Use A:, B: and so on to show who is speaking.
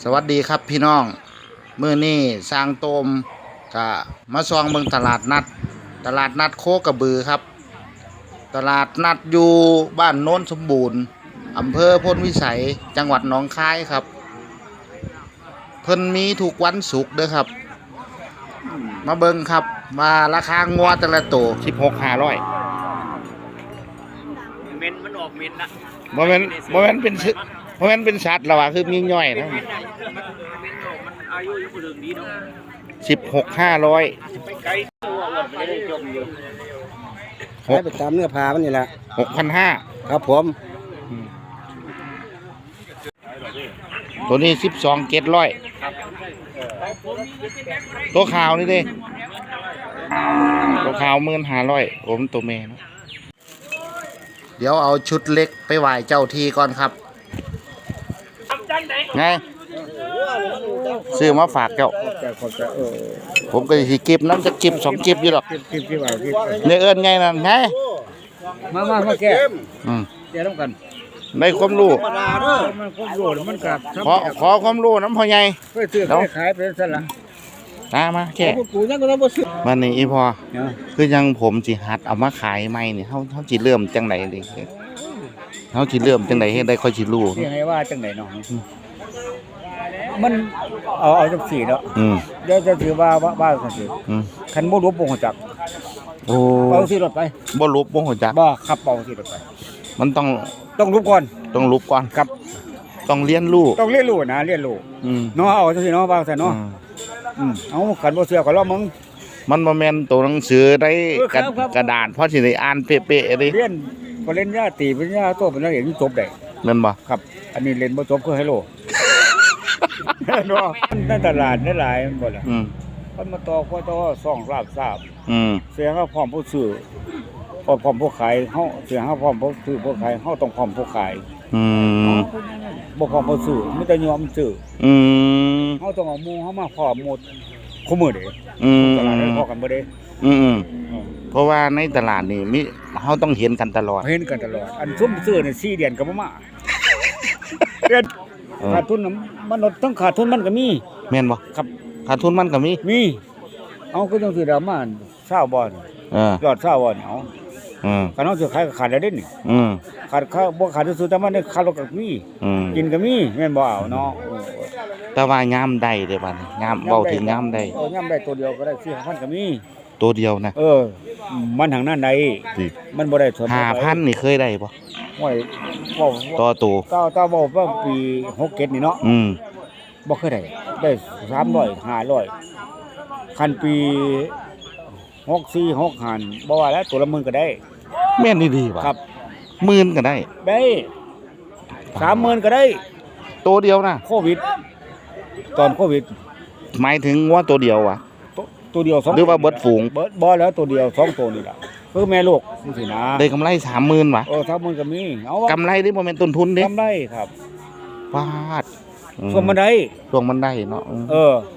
A: สวัสดีครับพี่น้องมื้อนี้สร้างโตมก็มาซองเบิ่งตลาดนัดโคกระบือครับตลาดนัดอยู่บ้านโน้นสมบูรณ์อำเภอพลวิสัยจังหวัดหนองคายครับเพิ่นมีทุกวันศุกร์เด้อครับมาเบิ่งครับว่าราคางัวแต่ละตัว16,500
B: เมนมันออกเมนนะ
A: บ่แม่นเป็นสัตว์แล้วว่าคือมีย่อยนะ
B: มันอายุยังบ่ถึงดีเนาะ
A: 16,500
B: ไปไกลตัวอ้วนไม่ได้จมอยู่
C: ให้ไปตามเนื้อผ้ามันนี่แหละ
A: 6,500
C: ครับผม
A: ตัวนี้12,700ตัวขาวนี่เด้ตัวขาว15,000ผมตัวแม่นะเดี๋ยวเอาชุดเล็กไปไหว้เจ้าที่ก่อนครับไงซื้อมาฝากเจ้าผมก็สิเก็บน้ำจะเก็บ2เก็บอยู่หรอกเนี่ยเอิ้นไงนั่นไง
C: มาแก้แก้ต้องกัน
A: ได้ความรู้
C: มันความรู้มันกับ
A: ขอความรู้น้ำพ่อใหญ่
C: เพื่อซื้อขายเป็นสั่นล่ะ
A: มาแค่
C: กูยังก็ต้องบ่ซื้อ
A: วันนี้อีพอคือยังผมสิหัดเอามาขายใหม่นี่เฮาสิเริ่มจังได๋ดิเฮาสิเริ่มจังได๋เฮ็ดได้ค่อยสิรู้
C: สิให้ว่าจังได๋เนาะมันเอาจังซี่เนาะเดี๋ยวจะถือว่าจังซี่คันบ่รู้บ่ฮู้จัก
A: โอ้
C: เอาสิรถไป
A: บ่รู้บ่ฮู้จัก
C: บ่ขับเอาสิรถไป
A: มัน
C: ต้องรู้ก่อน
A: ครับต้องเรียนรู้
C: นะเรียนรู้เนาะเอาจังซี่เนาะว่าซั่นเนาะเอาคันบ่เชื่อก็ลองมึง
A: มันบ่แม่นตัวหนังสือได้กระดาษพอสิได้อ่านเป๊ะๆเด้
C: เรียนปริญญาตรีปริญญาโทปริญญาเอกจบได้
A: แม่นบ่
C: ครับอันนี้เรียนบ่จบคือไฮโลเนาะในตลาดหลายมันบ่ล่ะมันมาต่อซ่องราบทราบเสียงเฮาพร้อมผู้ซื้อพร้อมผู้ขายเฮาเสียงเฮาพร้อมผู้ซื้อผู้ขายเฮาต้องพร้อมผู้ขายบ่พร้อมผู้ซื้อมีแต่ยอมซื้อเฮาต้องเอาหมู่เฮามาพร้อมหมดคุมื้อเด้ตลาดได้พอกันบ่เด้
A: เพราะว่าในตลาดนี่มีเฮาต้องเห็นกันตลอด
C: อันซุ่มซื้อนี่4เดือนก็บ่มาเดือนขาดทุนมันต้องขาดทุนมันก็มี
A: แม่นบ่
C: ครับ
A: ขาดทุนมันก็มี
C: เอาก็ต้องสิดราม่า20บ่ยอด20บ่เอาคันเฮาสิขายก็ขาดแล้วเด้นี่ขาดบ่ขาดซื่อแต่มันได้ขาดก็มีกินก็มีแม่นบ่เอาเนาะ
A: แต่ว่ายามใดเด้บัดนี้ยามเว้าถึงยามใด
C: ยามใดตัวเดียวก็ได้4,000ก็มี
A: ตัวเดียวนะ
C: มันทางนั้นใดมันบ่ได้สน
A: 5,000นี่เคยได้บ่
C: โอ้ยต่อบ่ว่าปี67นี่เนาะบ่เคยได้300 500คันปี64 65บ่ว่าแล้วตัวละ10,000ก็ได้
A: แม่นดีๆว่ะ
C: ครับ
A: 10,000ก็ได้
C: 30,000ก็ได้
A: ตัวเดียวนะ
C: โควิดตอนโควิด
A: หมายถึงว่าตัวเดียวว่ะ
C: ตัวเดียว2
A: หรือว่าเบิดฝูง
C: บ่แล้วตัวเดียว2ตัวนี่ล่ะคือแม่ลูกจังซี่นะ
A: ได้กำไร 30,000 ว่ะ
C: 30,000ก็มีเอา
A: กำไรนี่บ่แม่นต้นทุนเด้
C: กำไรครับ
A: ฟาด
C: ช่วงมันได้
A: เนาะ